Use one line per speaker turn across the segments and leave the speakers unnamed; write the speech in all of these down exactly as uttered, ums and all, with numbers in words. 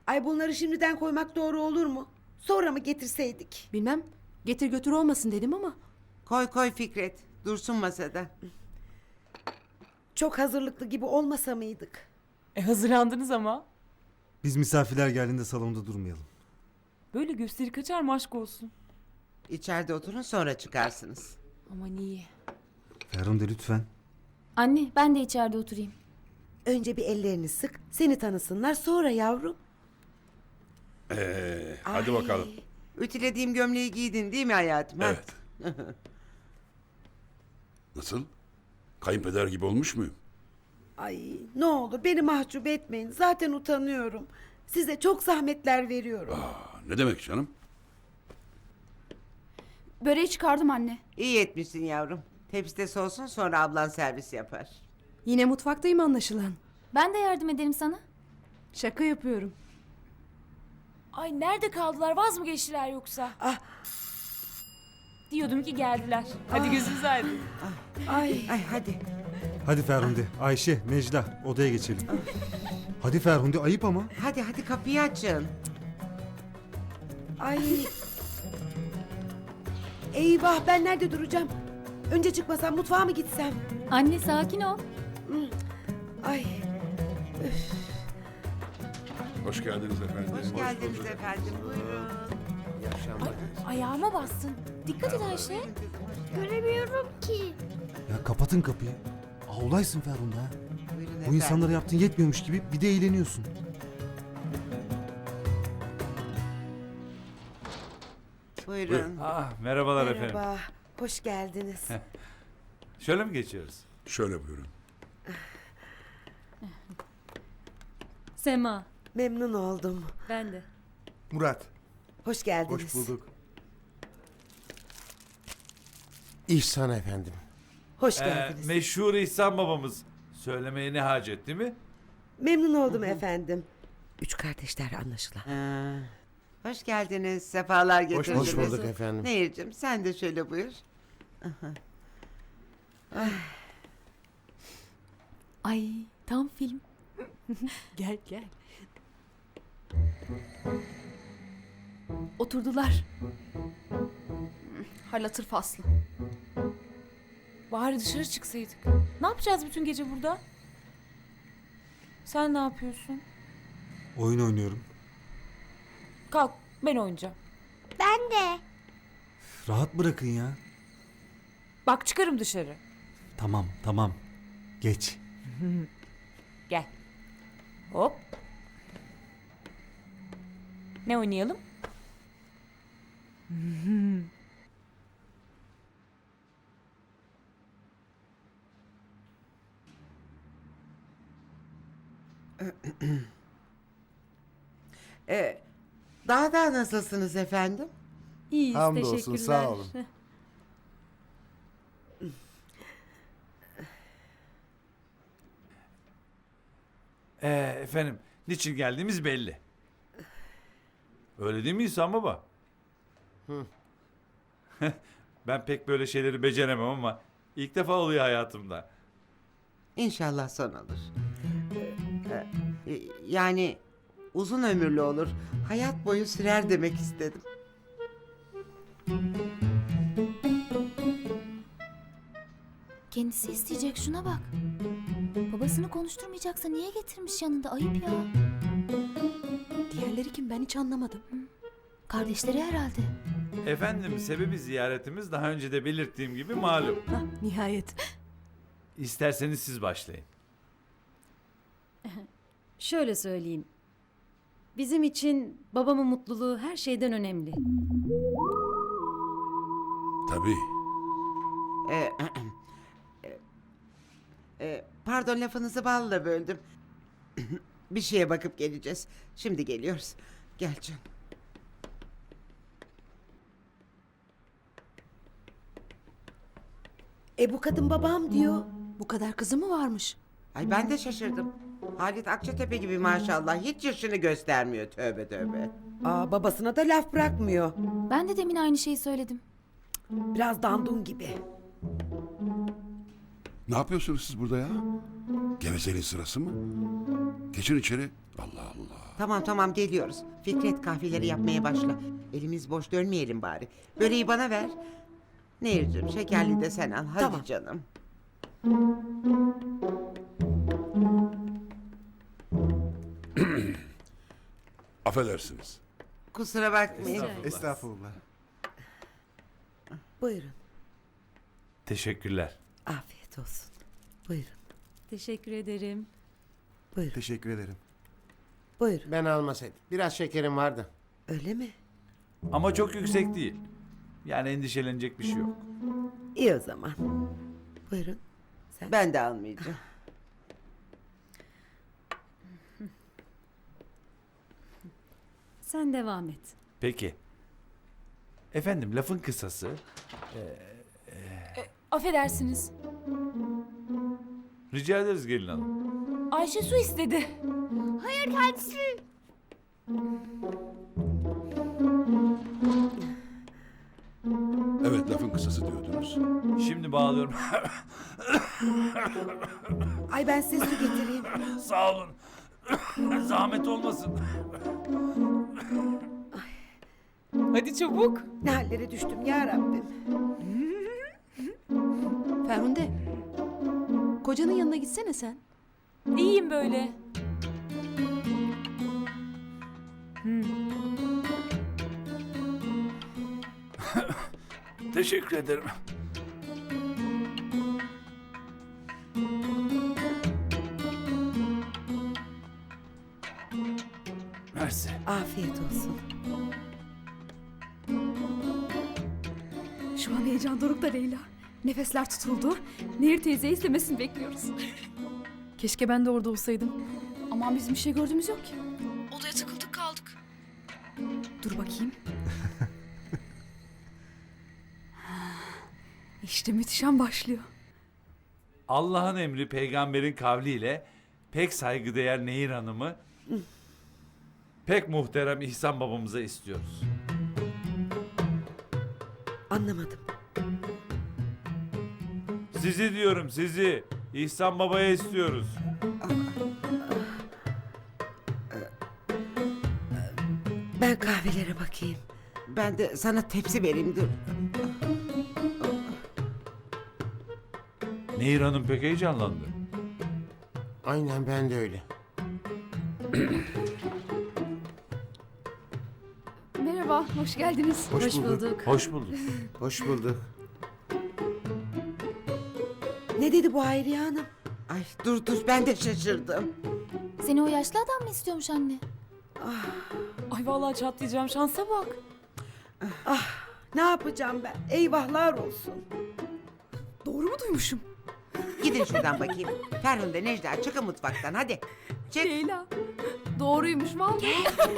Ay bunları şimdiden koymak doğru olur mu? Sonra mı getirseydik?
Bilmem. Getir götür olmasın dedim ama.
Koy koy Fikret. Dursun masada.
Çok hazırlıklı gibi olmasa mıydık?
E hazırlandınız ama.
Biz misafirler geldiğinde salonda durmayalım.
Böyle gösteri kaçar mı aşk olsun.
İçeride oturun sonra çıkarsınız.
Aman iyi.
Ferhunde lütfen.
Anne ben de içeride oturayım.
Önce bir ellerini sık, seni tanısınlar sonra yavrum.
Ee, hadi
Ay.
bakalım.
Ütülediğim gömleği giydin değil mi hayatım? ha?
Evet. Nasıl? Kayınpeder gibi olmuş muyum?
Ay ne olur beni mahcup etmeyin. Zaten utanıyorum. Size çok zahmetler veriyorum.
Aa, ne demek canım?
Böreği çıkardım anne.
İyi etmişsin yavrum. Tepside soğusun sonra ablan servis yapar.
Yine mutfaktayım anlaşılan.
Ben de yardım ederim sana.
Şaka yapıyorum.
Ay nerede kaldılar, vaz mı geçtiler yoksa?
Ah.
Diyordum ki geldiler. Hadi gözünüz aydın.
Ay.
Ay hadi.
Hadi Ferhunde, Ayşe, Necla odaya geçelim. Hadi Ferhunde ayıp ama.
Hadi hadi kapıyı açın.
Ay. Eyvah ben nerede duracağım? Önce çıkmasam mutfağa mı gitsem?
Anne sakin ol.
Ay.
Hoş geldiniz efendim.
Hoş geldiniz efendim. Buyurun.
Ayağıma bastın. Dikkat et Ayşe.
Göremiyorum ki.
Ya kapatın kapıyı. Ağlaysın Ferhunde ha.
Buyurun
Bu
efendim.
insanlara yaptığın yetmiyormuş gibi bir de eğleniyorsun.
Buyurun.
Ah, merhabalar efendim.
Merhaba. Hoş geldiniz.
Şöyle mi geçiyoruz?
Şöyle buyurun.
Sema.
Memnun oldum.
Ben de.
Murat,
Hoş geldiniz.
hoş bulduk. İhsan efendim.
Hoş
Ee,
geldiniz.
meşhur İhsan babamız. Söylemeye ne hacet değil mi?
Memnun oldum efendim. Üç kardeşler anlaşılan.
Ha, hoş geldiniz. Sefalar
Hoş,
getirdiniz.
hoş bulduk efendim.
Nehir'cim sen de şöyle buyur.
Ay tam film.
Gel gel.
Oturdular. Hal hatır faslı.
Bari dışarı çıksaydık. Ne yapacağız bütün gece burada? Sen ne yapıyorsun?
Oyun oynuyorum.
Kalk, ben oynayacağım.
Ben de.
Rahat bırakın ya.
Bak çıkarım dışarı.
Tamam, tamam. Geç.
Gel. Hop. Ne oynayalım?
Ee, daha da nasılsınız efendim?
İyiyiz
Hamdolsun,
teşekkürler.
sağ olun.
Ee, efendim, niçin geldiğimiz belli. Öyle değil mi İhsan baba? Ben pek böyle şeyleri beceremem ama ilk defa oluyor hayatımda.
İnşallah son olur. Ee, e, yani uzun ömürlü olur. Hayat boyu sürer demek istedim.
Kendisi isteyecek şuna bak. Babasını konuşturmayacaksa niye getirmiş yanında, ayıp ya.
Diğerleri kim ben hiç anlamadım.
Kardeşleri herhalde.
Efendim, sebebi ziyaretimiz daha önce de belirttiğim gibi malum.
Hah nihayet.
İsterseniz siz başlayın.
Şöyle söyleyeyim. Bizim için babamın mutluluğu her şeyden önemli.
Tabii.
Ee, e, e, pardon lafınızı balla böldüm. Bir şeye bakıp geleceğiz. Şimdi geliyoruz. Gel canım.
E bu kadın babam diyor.
Bu kadar kızı mı varmış?
Ay ben de şaşırdım. Halit Akçatepe gibi maşallah hiç yaşını göstermiyor, tövbe tövbe.
Aa babasına da laf bırakmıyor.
Ben de demin aynı şeyi söyledim.
Biraz dandun gibi.
Ne yapıyorsunuz siz burada ya? Gevezeliğin sırası mı? Geçin içeri. Allah Allah.
Tamam tamam geliyoruz. Fikret kahveleri yapmaya başla. Elimiz boş dönmeyelim bari. Böreği bana ver. Nehir'cim şekerli de sen al. Hadi
Tamam.
canım.
Affedersiniz.
Kusura bakmayın.
Estağfurullah.
Buyurun.
Teşekkürler.
Afiyet olsun. Buyurun.
Teşekkür ederim.
Buyurun.
Teşekkür ederim.
Buyurun.
Ben almasaydım. Biraz şekerim vardı.
Öyle mi?
Ama çok yüksek değil. Yani endişelenecek bir şey yok.
İyi o zaman. Buyurun. Sen.
Ben de almayacağım.
Sen devam et.
Peki. Efendim lafın kısası.
Affedersiniz.
Rica ederiz gelin hanım.
Ayşe su istedi.
Hayır kendisi.
Evet lafın kısası diyordunuz.
Şimdi bağlıyorum.
Ay ben size su getireyim.
Sağ olun. Zahmet olmasın.
Hadi çabuk.
Ne hallere düştüm ya Rabbim.
Ferhunde. Kocanın yanına gitsene sen.
İyiyim böyle.
Teşekkür ederim. Mersi.
Afiyet olsun.
Şu an heyecan dorukta Leyla. Nefesler tutuldu. Nehir teyze istemesini bekliyoruz. Keşke ben de orada olsaydım. Aman bizim bir şey gördüğümüz yok ki. Odaya tıkıldık kaldık. Dur bakayım. İşte müthiş an başlıyor.
Allah'ın emri peygamberin kavliyle pek saygıdeğer Nehir Hanım'ı pek muhterem İhsan babamıza istiyoruz.
Anlamadım.
Sizi diyorum sizi. İhsan babaya istiyoruz.
Ben kahvelere bakayım.
Ben de sana tepsi vereyim dur.
Nehir Hanım pek heyecanlandı.
Aynen ben de öyle.
Merhaba, hoş geldiniz.
Hoş,
Hoş
bulduk.
bulduk.
Hoş bulduk.
Hoş bulduk.
Ne dedi bu Hayriye Hanım?
Ay dur dur ben de şaşırdım.
Seni o yaşlı adam mı istiyormuş anne?
Ay vallahi çatlayacağım, şansa bak.
Ne yapacağım ben? Eyvahlar olsun.
Doğru mu duymuşum?
Gidin şuradan bakayım. Ferhunde Necla çıkın mutfaktan hadi. Çık.
Leyla. Doğruymuş vallahi.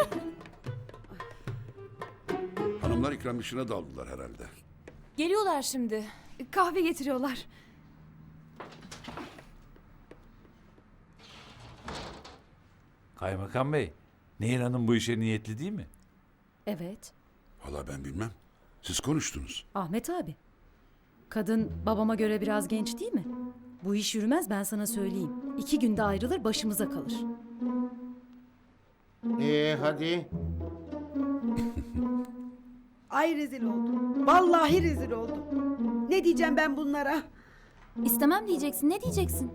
Hanımlar ikram işine daldılar herhalde.
Geliyorlar şimdi. Kahve getiriyorlar.
Kaymakam Bey, Nehir Hanım bu işe niyetli değil mi?
Evet.
Valla ben bilmem. Siz konuştunuz.
Ahmet abi. Kadın babama göre biraz genç değil mi? Bu iş yürümez ben sana söyleyeyim. İki günde ayrılır başımıza kalır.
Ee hadi.
Ay rezil oldum. Vallahi rezil oldum. Ne diyeceğim ben bunlara?
İstemem diyeceksin. Ne diyeceksin?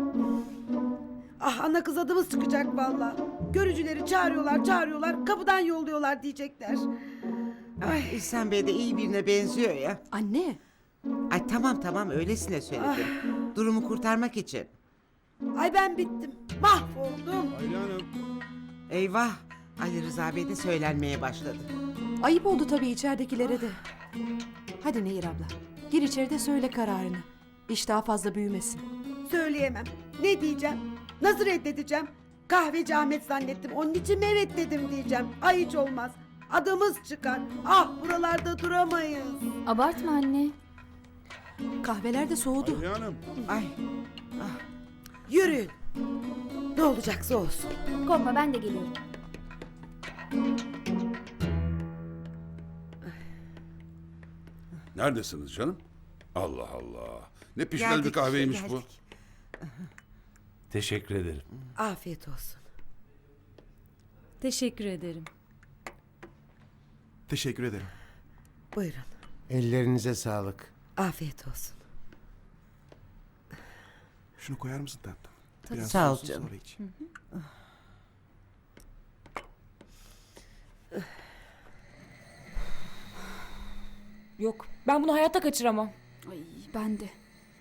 Ah ana kız adımız çıkacak vallahi. Görücüleri çağırıyorlar çağırıyorlar kapıdan yolluyorlar diyecekler.
Ay İhsan Bey de iyi birine benziyor ya.
Anne.
Ay tamam tamam öylesine söyledim. Durumu kurtarmak için.
Ay ben bittim. Mahvoldum.
Eyvah. Ali Rıza Bey de söylenmeye başladı.
Ayıp oldu tabii içeridekilere de. Hadi Nehir abla. Gir içeride söyle kararını. İş daha fazla büyümesin.
Söyleyemem. Ne diyeceğim? Nasıl reddedeceğim? Kahveci Ahmet zannettim. Onun için mi evet dedim diyeceğim. Ay hiç olmaz. Adımız çıkar. Ah buralarda duramayız.
Abartma anne.
Kahveler de soğudu.
Ay
Yürüyün. Ne olacaksa olsun.
Korkma ben de geliyorum.
Neredesiniz canım? Allah Allah. Ne pişmel
geldik
bir kahveymiş
işte,
bu.
geldik.
Teşekkür ederim.
Afiyet olsun.
Teşekkür ederim.
Teşekkür ederim.
Buyurun.
Ellerinize sağlık.
Afiyet olsun.
Şunu koyar mısın tatlım?
Tabii.
Biraz
Sağ ol
soğusun,
canım.
sonra iç.
Yok, ben bunu hayatta kaçıramam. Ay, ben de.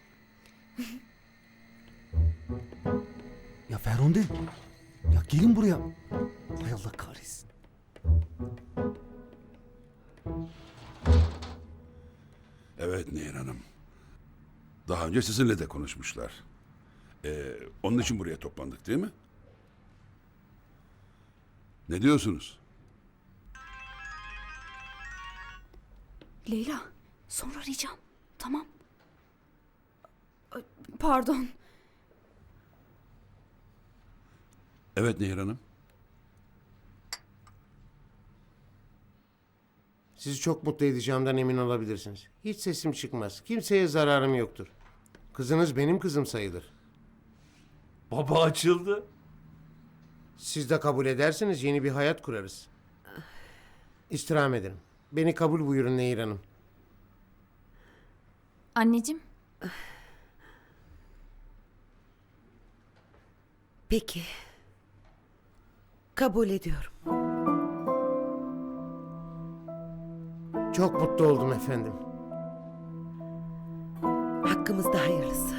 Ya Ferhunde. Ya gelin buraya. Hay Allah kahretsin.
Evet Nehir Hanım. Daha önce sizinle de konuşmuşlar. Ee, onun için buraya toplandık değil mi? Ne diyorsunuz?
Leyla, sonra arayacağım. Tamam. Ay, pardon.
Evet Nehir Hanım.
Sizi çok mutlu edeceğimden emin olabilirsiniz. Hiç sesim çıkmaz. Kimseye zararım yoktur. Kızınız benim kızım sayılır.
Baba açıldı.
Siz de kabul ederseniz yeni bir hayat kurarız. İstirham ederim. Beni kabul buyurun Nehir Hanım.
Anneciğim,
Peki. Kabul ediyorum.
Çok mutlu oldum efendim.
Hakkımızda hayırlısı.